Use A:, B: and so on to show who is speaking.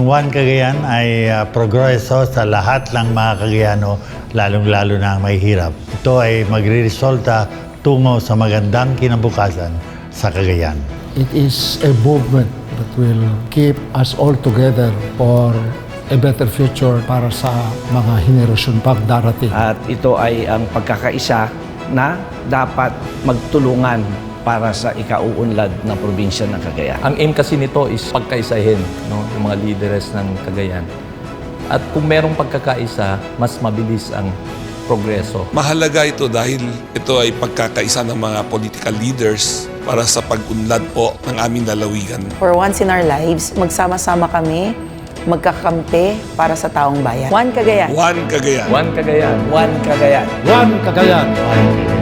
A: One Cagayan ay progreso sa lahat ng mga Cagayano, lalong-lalo na ang mahihirap. Ito ay magre-resulta tungo sa magandang kinabukasan sa Cagayan.
B: It is a movement that will keep us all together for a better future para sa mga henerasyon pang darating.
C: At ito ay ang pagkakaisa na dapat magtulungan para sa ikauunlad na probinsya ng Cagayan.
D: Ang aim kasi nito is pagkaisahin, no, yung mga leaders ng Cagayan. At kung merong pagkakaisa, mas mabilis ang progreso.
E: Mahalaga ito dahil ito ay pagkakaisa ng mga political leaders para sa pag-unlad po ng aming lalawigan.
F: For once in our lives, magsama-sama kami, magkakampi para sa taong bayan. One Cagayan.
E: One Cagayan.
D: One Cagayan.
C: One Cagayan.
B: One Cagayan.
A: One Cagayan.